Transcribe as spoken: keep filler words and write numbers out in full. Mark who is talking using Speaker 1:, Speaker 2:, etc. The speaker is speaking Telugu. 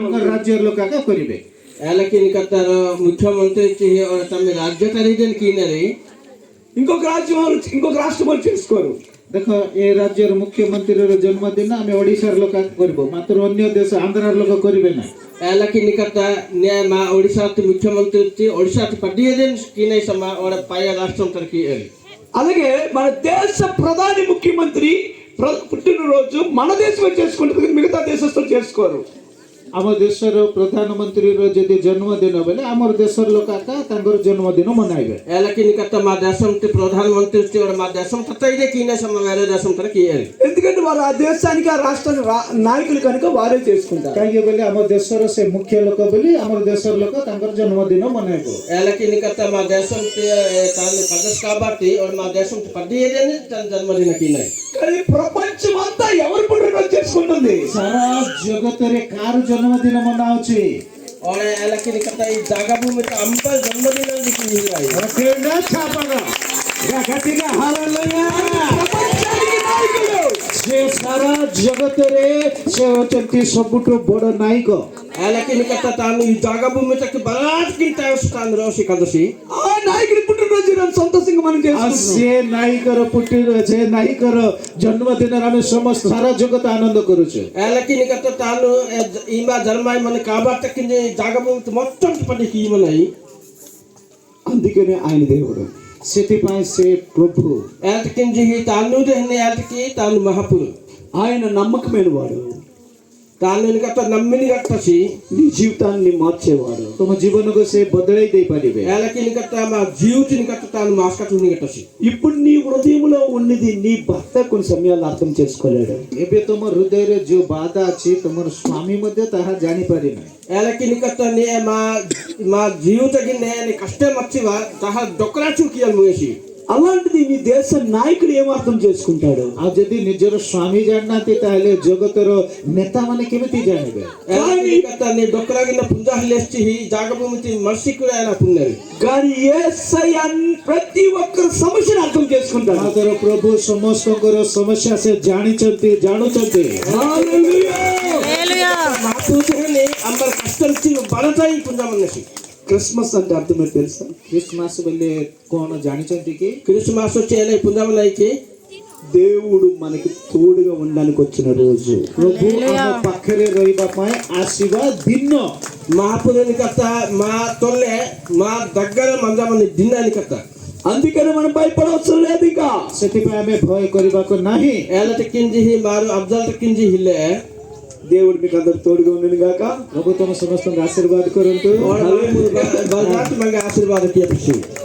Speaker 1: राज्य लोक करेंगे
Speaker 2: लेकिन कतर मुख्यमंत्री तम राज्य खरीदन की
Speaker 3: ఇంకొక రాజ్యం వాళ్ళు ఇంకొక రాష్ట్రం వాళ్ళు చేసుకోరు.
Speaker 1: देख ये राज्य मुख्यमंत्री जन्मदिन आम ओडिशार लोक करिबो मात्र अन्य देश आंध्रार लोक करिबे ना
Speaker 2: लेकिन कता ने मा ओडिशा मुख्यमंत्री ओडिशा पडियदन की नहीं समा और पाया राष्ट्रम तरकी
Speaker 3: అలాగే మన దేశ ప్రధాని ముఖ్యమంత్రి పుట్టినరోజు మన దేశమే చేసుకుంటుంది మిగతా దేశస్తులు చేసుకోరు.
Speaker 1: आम देशर प्रधानमंत्री जदि जन्मदिन बोले आम देशर लोक जन्मदिन मनाइबे
Speaker 2: लेकिन कता मा देशम प्रधानमंत्री और मा देशम ततैदे की नहीं समा వేరే దేశం तरकी
Speaker 3: ఎందుకంటే వారు ఆ దేశానికి ఆ రాష్ట్ర నాయకులు కనుక వారే చేసుకుంటారు.
Speaker 1: कहीं बोले आम देशर से मुख्य लोक बोली आम देशर लोक जन्मदिन मनाइबो
Speaker 2: लेकिन कता मा देशम कदस కాబట్టి और मा देशम पडियदन जन्मदिन की नहीं
Speaker 3: కానీ ప్రపంచం అంతా ఎవరు పుట్టినరోజు చేసుకుంటుంది.
Speaker 1: सारा जगत रे कार जन्मदिन मनाउछि
Speaker 2: और लेकिन कता ई जागा भूमि त अंब जन्मदिन लिखी हिराई
Speaker 1: केना छापगा गगतिना हालेलुया
Speaker 3: ప్రపంచానికి నాయకుడు
Speaker 1: से सारा जगत रे से होचंती सबुठो बड़ नायक
Speaker 2: लेकिन कता तानु ई जागा भूमि तक बरात किंता स्थान रोशी कदसी
Speaker 3: ఆ నాయకుడి పుట్టినరోజు మనం సంతోషంగా మనం చేసుకుంటాం.
Speaker 1: से नायकर पुट्टी से नायकर जन्मदिन आम समस्त सारा जगत आनंद करूछु.
Speaker 2: लेकिन कता तानु इमा जन्माय मन काबा तक जागा भूमि మొత్తం పడి की మనයි
Speaker 3: అందుకనే ఆయన దేవుడు.
Speaker 1: ସେଥିପାଇଁ से प्रभु
Speaker 2: एल्टकिन जी तानु रहने एल्टकी तानु महापुर
Speaker 3: ఆయన నమ్మకమైన వాడు.
Speaker 2: तानु कता नम्मिनी गట్టసి
Speaker 3: నీ జీవితాన్ని మార్చేవాడు.
Speaker 1: तुम जीवन को से बदलाई दे पारिबे
Speaker 2: लेकिन कता मा జీవితిని కత तानु మాస్కటుని గట్టసి
Speaker 3: ఇప్పుడు నీ హృదయంలో ఉన్నది నీ భర్త కొన్ని సమయాలు అర్థం చేసుకోలేడు.
Speaker 1: एबे तुम हृदय रे जो बाधा अछि तुमर स्वामी मध्ये ताहा जानि पारि नै
Speaker 2: लेकिन कता ने मा मा జీవితకి నే కష్ట మచ్చివా ताहा డొకరా చుకియల్ ముయసి
Speaker 3: అలాంటిది నీ దేశ నాయకుడు ఏం అర్థం చేసుకుంటాడు.
Speaker 1: आ जदि निजर स्वामी जाननाती ताले जगतर नेता माने केमिति जानिबे
Speaker 2: लेकिन कता ने डొకరా గిన పుంజా హలేస్చి హి జాగభూమితి మర్సికురాయన పున్నరి
Speaker 3: కానీ యేసయ్య ప్రతి ఒక్కరి సమస్యను అర్థం చేసుకుంటాడు.
Speaker 1: मातर प्रभु समस्तकर समस्या से जानिचंती जानुचंती
Speaker 3: హల్లెలూయా
Speaker 2: హల్లెలూయా మాతునే అంబర్ కష్టం చి బలతాయి పుంజా మన్నసి
Speaker 3: క్రిస్మస్ అంటే అర్థం ఏంటో తెలుసా?
Speaker 1: क्रिसमस बोले कोन जानिचंती कि
Speaker 2: క్రిస్మస్ వచ్చేలే పుంజా మన్నైకి
Speaker 3: దేవుడు మనకి తోడుగా ఉండడానికి వచ్చిన రోజు.
Speaker 1: प्रभु हम पाखरे रहिबा पाए आशीर्वाद दिन
Speaker 2: महापुरुని కతా మా తొల్లే మా దగ్గర మంజా మన్ని దిన్నాని కతా
Speaker 3: అందుకని మనం భయపడవసరం లేదు. ఇక
Speaker 1: ସେଥିପାଇଁ ଆମେ ଭୟ କରିବାକୁ ନାହିଁ.
Speaker 2: एलट किंजी ही मारू अफजल किंजी हिले
Speaker 3: దేవుడు మీకు అందరు తోడుగా ఉండను గాక.
Speaker 1: प्रभु तुम समस्त आशीर्वाद करंतु
Speaker 2: और बलरात मंगे आशीर्वाद किया पिछू